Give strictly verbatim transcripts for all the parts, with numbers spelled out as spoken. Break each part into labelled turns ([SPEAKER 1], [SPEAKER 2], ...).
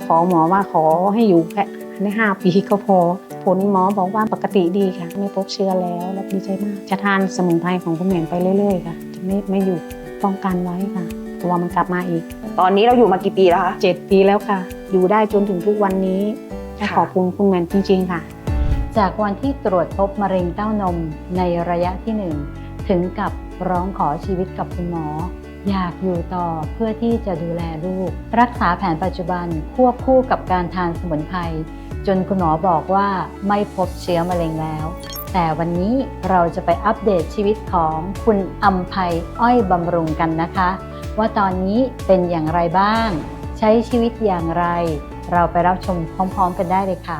[SPEAKER 1] ขอหมอว่าขอให้อยู่แค่ในห้าปีก็พอผลหมอบอกว่าปกติดีค่ะไม่พบเชื้อแล้วแล้วดีใจมากจะทานสมุนไพรของคุณแหม่มไปเรื่อยๆค่ะจะไม่ไม่หยุดป้องกันไว้ค่ะกลัวมันกลับมาอีก
[SPEAKER 2] ตอนนี้เราอยู่มากี่ปีแล้วคะ
[SPEAKER 1] เจ็ดปีแล้วค่ะอยู่ได้จนถึงทุกวันนี้ขอบคุณคุณแหม่มจริงๆค่ะ
[SPEAKER 3] จากวันที่ตรวจพบมะเร็งเต้านมในระยะที่หนึ่งถึงกับร้องขอชีวิตกับคุณหมออยากอยู่ต่อเพื่อที่จะดูแลลูกรักษาแผนปัจจุบันควบคู่กับการทานสมุนไพรจนคุณหมอบอกว่าไม่พบเชื้อมะเร็งแล้วแต่วันนี้เราจะไปอัปเดตชีวิตของคุณอำไพอ้อยบำรุงกันนะคะว่าตอนนี้เป็นอย่างไรบ้างใช้ชีวิตอย่างไรเราไปรับชมพร้อมๆกันได้เลยค่ะ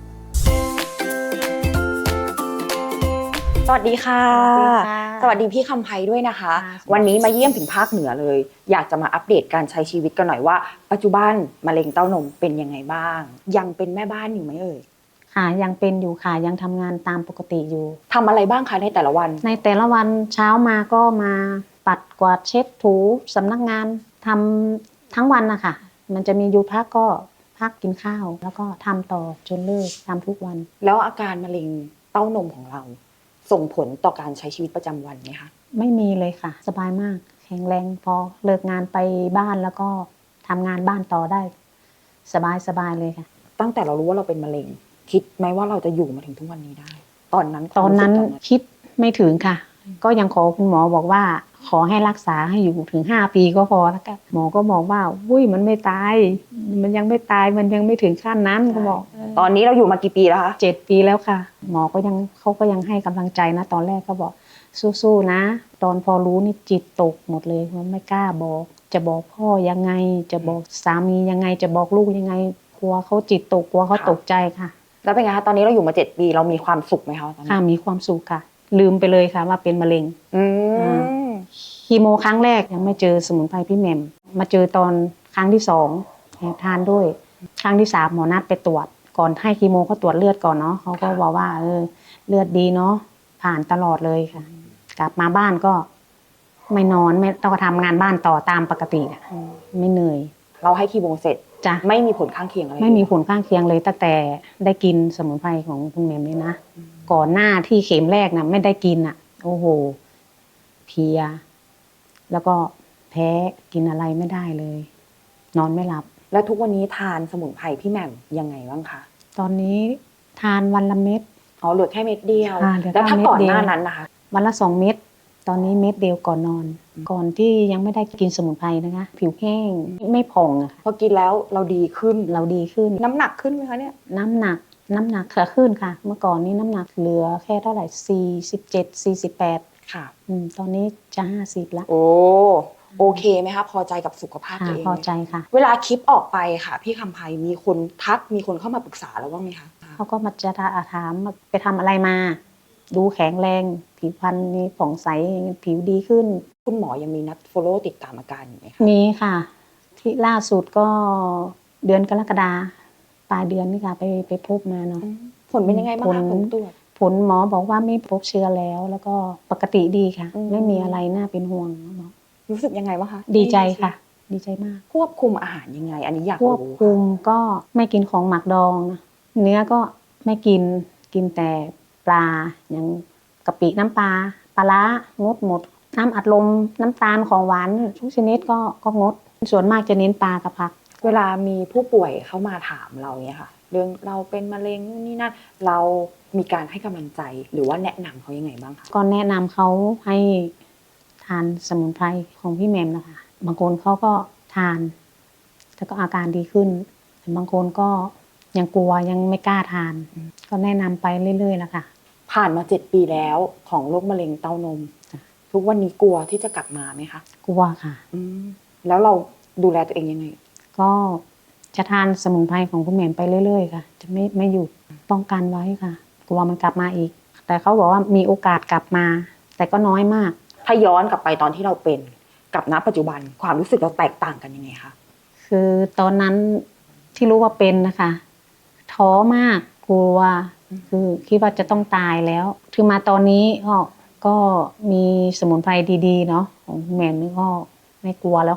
[SPEAKER 2] สวัสดีค่ะสวัสดีพี่คำไพด้วยนะคะวันนี้มาเยี่ยมถึงภาคเหนือเลยอยากจะมาอัปเดตการใช้ชีวิตกันหน่อยว่าปัจจุบันมะเร็งเต้านมเป็นยังไงบ้างยังเป็นแม่บ้านอยู่ไหมเอ่ย
[SPEAKER 1] ค่ะยังเป็นอยู่ค่ะยังทำงานตามปกติอยู่
[SPEAKER 2] ทำอะไรบ้างคะในแต่ละวัน
[SPEAKER 1] ในแต่ละวันเช้ามาก็มาปัดกวาดเช็ดถูสำนักงานทำทั้งวันนะคะมันจะมีอยู่พักก็พักกินข้าวแล้วก็ทำต่อจนเลิกทำทุกวัน
[SPEAKER 2] แล้วอาการมะเร็งเต้านมของเราส่งผลต่อการใช้ชีวิตประจำวันไหมคะ
[SPEAKER 1] ไม่มีเลยค่ะสบายมากแข็งแรงพอเลิกงานไปบ้านแล้วก็ทำงานบ้านต่อได้สบายสบายเลยค่ะ
[SPEAKER 2] ตั้งแต่เรารู้ว่าเราเป็นมะเร็งคิดไหมว่าเราจะอยู่มาถึงทุกวันนี้ได้ตอนนั้น
[SPEAKER 1] ตอนนั้นคิดไม่ถึงค่ะก็ยังขอคุณหมอบอกว่าขอให้รักษาให้อยู่ถึงห้าปีก็พอแล้วกันหมอก็บอกว่าอุ้ยมันไม่ตายมันยังไม่ตายมันยังไม่ถึงขั้นนั้นก็บอก
[SPEAKER 2] ตอนนี้เราอยู่มากี่ปีแล้วคะ
[SPEAKER 1] เจ็ดปีแล้วค่ะหมอก็ยังเขาก็ยังให้กำลังใจนะตอนแรกก็บอกสู้ๆนะตอนพอรู้นี่จิตตกหมดเลยว่าไม่กล้าบอกจะบอกพ่อยังไงจะบอกสามียังไงจะบอกลูกยังไงกลัวเขาจิตตกกลัวเขาตกใจค่ะ
[SPEAKER 2] แล้วเป็นไงคะตอนนี้เราอยู่มาเจ็ดปีเรามีความสุขไหมคะตอนนี้
[SPEAKER 1] ค่ะมีความสุขค่ะลืมไปเลยค่ะว่าเป็นมะเร็ง
[SPEAKER 2] อืม
[SPEAKER 1] คีโมครั้งแรกยังไม่เจอสมุนไพรพี่แหม่มมาเจอตอนครั้งที่สองทานด้วยครั้งที่สามหมอนัดไปตรวจก่อนให้คีโมเขาตรวจเลือดก่อนเนาะเขาก็บอกว่าเออเลือดดีเนาะผ่านตลอดเลยค่ะกลับมาบ้านก็ไม่นอนไม่ต้องทำงานบ้านต่อตามปกติไม่เหนื่อย
[SPEAKER 2] เราให้คีโมเสร็จ
[SPEAKER 1] จ้ะ
[SPEAKER 2] ไม่มีผลข้างเคียงอะไร
[SPEAKER 1] ไม่มีผลข้างเคียงเลยตั้งแต่ได้กินสมุนไพรของคุณแหม่มเลยนะก่อนหน้าที่เข็มแรกนะไม่ได้กินอ่ะโอ้โหเพลียแล้วก็แพ้กินอะไรไม่ได้เลยนอนไม่หลับ
[SPEAKER 2] แล้วทุกวันนี้ทานสมุนไพรพี่แหม่มยังไงบ้างคะ
[SPEAKER 1] ตอนนี้ทานวันละเม็ด
[SPEAKER 2] อ๋อเหลือแค่เม็ดเดียวแล้วถ้าก่อนหน้านั้นนะคะ
[SPEAKER 1] วันละสองเม็ดตอนนี้เม็ดเดียวก่อนนอนก่อนที่ยังไม่ได้กินสมุนไพรนะคะผิวแห้งไม่ผ่องอะ
[SPEAKER 2] พอกินแล้วเราดีขึ้น
[SPEAKER 1] เราดีขึ้น
[SPEAKER 2] น้ำหนักขึ้นไหมคะเนี่ย
[SPEAKER 1] น้ำหนักน้ำหนักขึ้นค่ะเมื่อก่อนนี้น้ำหนักเหลือแค่เท่าไหร่สี่สิบเจ็ดสี่สิบแปด
[SPEAKER 2] ค่ะ
[SPEAKER 1] ตอนนี้จะห้าสิบแล้ว
[SPEAKER 2] โอ้โอเคไหมคะพอใจกับสุขภาพตัวเอง
[SPEAKER 1] พอใจค่ะ
[SPEAKER 2] เวลาคลิปออกไปค่ะพี่คำไพมีคนทักมีคนเข้ามาปรึกษาแล้วบ้างไหมคะ
[SPEAKER 1] เขาก็มาจะถามไปทำอะไรมาดูแข็งแรงผิวพรรณมีผ่องใสผิวดีขึ้น
[SPEAKER 2] คุณหมอยังมีนัด follow ติดตามอาการอยู่ไหมคะ
[SPEAKER 1] มีค่ะที่ล่าสุดก็เดือนกรกฎาปลายเดือนนี่ค่ะไปไปพบมาเนาะ
[SPEAKER 2] ผลเป็นยังไงบ้างคะผลตรวจ
[SPEAKER 1] ผลหมอบอกว่าไม่พบเชื้อแล้วแล้วก็ปกติดีค่ะไม่มีอะไรน่าเป็นห่วงหมอ
[SPEAKER 2] รู้สึกยังไงบ้างคะ
[SPEAKER 1] ดีใจค่ะดีใจมาก
[SPEAKER 2] ควบคุมอาหารยังไงอันนี้อยาก
[SPEAKER 1] รู้ควบคุมก็ไม่กินของหมักดองเนื้อก็ไม่กินกินแต่ปลาอย่างกะปิน้ำปลาปลาร้างดหมดน้ำอัดลมน้ำตาลของหวานทุกชนิดก็ก็งดส่วนมากจะเน้นปลากับผัก
[SPEAKER 2] เวลามีผู้ป่วยเข้ามาถามเราเนี่ยค่ะเรื่องเราเป็นมะเร็งนี่นั่นเรามีการให้กำลังใจหรือว่าแนะนำเขายังไงบ้างคะ
[SPEAKER 1] ก็แนะนำเขาให้ทานสมุนไพรของพี่แหม่มนะคะบางคนเขาก็ทานแล้วก็อาการดีขึ้นแต่บางคนก็ยังกลัวยังไม่กล้าทานก็แนะนำไปเรื่อยๆแล้วค่ะ
[SPEAKER 2] ผ่านมาเจ็ดปีแล้วของโรคมะเร็งเต้านมทุกวันนี้กลัวที่จะกลับมาไหมคะ
[SPEAKER 1] กลัวค่ะ
[SPEAKER 2] แล้วเราดูแลตัวเองยังไง
[SPEAKER 1] ก็จะทานสมุนไพรของคุณแหม่มไปเรื่อยๆค่ะจะไม่ไม่หยุดป้องกันไว้ค่ะกลัวมันกลับมาอีกแต่เขาบอกว่ามีโอกาสกลับมาแต่ก็น้อยมาก
[SPEAKER 2] ถ้าย้อนกลับไปตอนที่เราเป็นกับณปัจจุบันความรู้สึกเราแตกต่างกันยังไงคะ
[SPEAKER 1] คือตอนนั้นที่รู้ว่าเป็นนะคะท้อมากกลัวคือคิดว่าจะต้องตายแล้วคือมาตอนนี้ก็ก็มีสมุนไพรดีๆเนาะของแหม่มนี่ก็ไม่กลัวแล้วค่ะ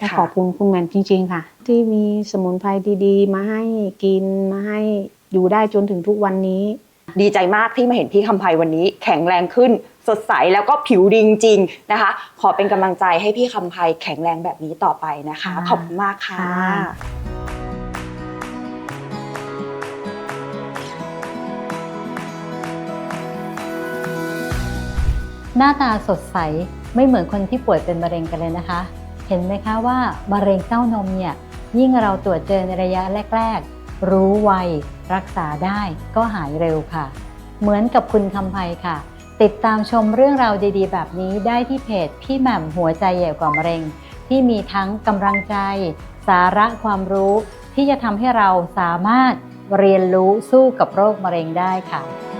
[SPEAKER 1] ก็ขอบคุณคุณแหม่มจริงๆค่ะ ที่มีสมุนไพรดีๆ มาให้กินมาให้อยู่ได้จนถึงทุกวันนี้
[SPEAKER 2] ดีใจมากที่มาเห็นพี่คำไพวันนี้แข็งแรงขึ้นสดใสแล้วก็ผิวดีจริงๆนะคะ ขอเป็นกำลังใจให้พี่คำไพแข็งแรงแบบนี้ต่อไปนะคะ
[SPEAKER 1] ค่ะ
[SPEAKER 2] ขอบคุณมากค่ะ
[SPEAKER 1] ค่ะ
[SPEAKER 3] หน้าตาสดใสไม่เหมือนคนที่ป่วยเป็นมะเร็งกันเลยนะคะ เห็นไหมคะว่ามะเร็งเต้านมเนี่ยยิ่งเราตรวจเจอในระยะแรกๆรู้ไวรักษาได้ก็หายเร็วค่ะ เหมือนกับคุณคำไพค่ะ ติดตามชมเรื่องราวดีๆแบบนี้ได้ที่เพจพี่แหม่มหัวใจใหญ่กว่ามะเร็งที่มีทั้งกำลังใจสาระความรู้ที่จะทำให้เราสามารถเรียนรู้สู้กับโรคมะเร็งได้ค่ะ